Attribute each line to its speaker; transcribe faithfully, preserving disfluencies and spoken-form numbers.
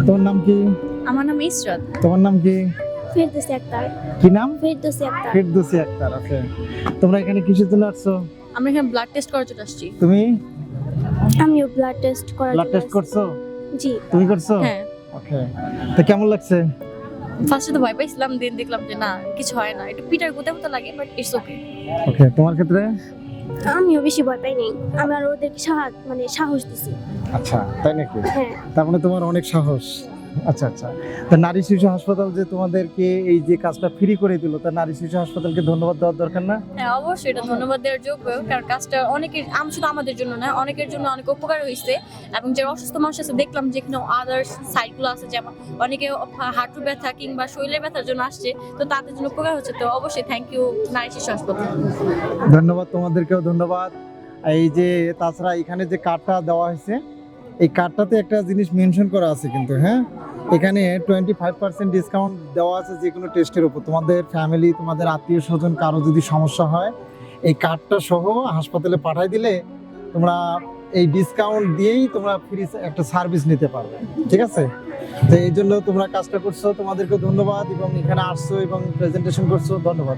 Speaker 1: তোমার নাম কি?
Speaker 2: আমার নাম ইসরাত।
Speaker 1: তোমার নাম কি?
Speaker 3: ফেরদৌসী আক্তার।
Speaker 1: কি নাম?
Speaker 3: ফেরদৌসী আক্তার।
Speaker 1: ফেরদৌসী আক্তার। ওকে, তোমরা এখানে কিসের জন্য আসছো?
Speaker 2: আমরা এখানে ব্লাড টেস্ট করার জন্য আসছি।
Speaker 1: তুমি
Speaker 3: আমিও ব্লাড টেস্ট করার
Speaker 1: ব্লাড
Speaker 3: জন্য
Speaker 1: টেস্ট করছো?
Speaker 3: আসছি। জি।
Speaker 1: তুমি করছো?
Speaker 2: হ্যাঁ,
Speaker 1: ওকে, তো কেমন লাগছে?
Speaker 2: ফার্স্টে তো ভয় পাইছিলাম, দেন দেখলাম যে না কিছু হয় না, একটু পিটার গুতে মতো লাগে, বাট ইটস ওকে।
Speaker 1: ওকে, তোমার ক্ষেত্রে?
Speaker 3: আমিও বেশি ভয় পাই নাই, আমি আর ওদেরকে সাহস মানে সাহস দিছি।
Speaker 1: আচ্ছা, তাই নাকি?
Speaker 3: হ্যাঁ।
Speaker 1: তার মানে তোমার অনেক সাহস। আচ্ছা আচ্ছা, তা নারী শিশু হাসপাতাল যে তোমাদেরকে এই যে কাজটা ফ্রি করে দিল, তা নারী শিশু হাসপাতালকে ধন্যবাদ দেওয়ার দরকার না?
Speaker 2: হ্যাঁ অবশ্যই, এটা ধন্যবাদ দেওয়ার যোগ্য, কারণ কাজটা অনেকের আম শুধু আমাদের জন্য না, অনেকের জন্য অনেক উপকার হয়েছে। এবং যারা অসুস্থ মানুষ আছে দেখলাম যে এখানে আদার্স সাইডগুলো আছে, যেমন অনেকে হাঁটু ব্যথা কিংবা শরীরের ব্যথার জন্য আসছে, তো তাদের জন্য উপকার হচ্ছে। তো অবশ্যই থ্যাংক ইউ নারী শিশু হাসপাতাল।
Speaker 1: ধন্যবাদ, তোমাদেরকেও ধন্যবাদ। এই যে তাছাড়া এখানে যে কার্ডটা দেওয়া হয়েছে, এই কার্ডটাতে একটা জিনিস মেনশন করা আছে কিন্তু, হ্যাঁ, এখানে টোয়েন্টি ফাইভ পার্সেন্ট ডিসকাউন্ট দেওয়া আছে যে কোনো টেস্টের উপর। তোমাদের ফ্যামিলি, তোমাদের আত্মীয় স্বজন কারো যদি সমস্যা হয়, এই কার্ডটা সহ হাসপাতালে পাঠাই দিলে তোমরা এই ডিসকাউন্ট দিয়েই তোমরা ফ্রি একটা সার্ভিস নিতে পারবে। ঠিক আছে? তো এই জন্য তোমরা কাজটা করছো, তোমাদেরকে ধন্যবাদ, এবং এখানে আসছো এবং প্রেজেন্টেশন করছো, ধন্যবাদ।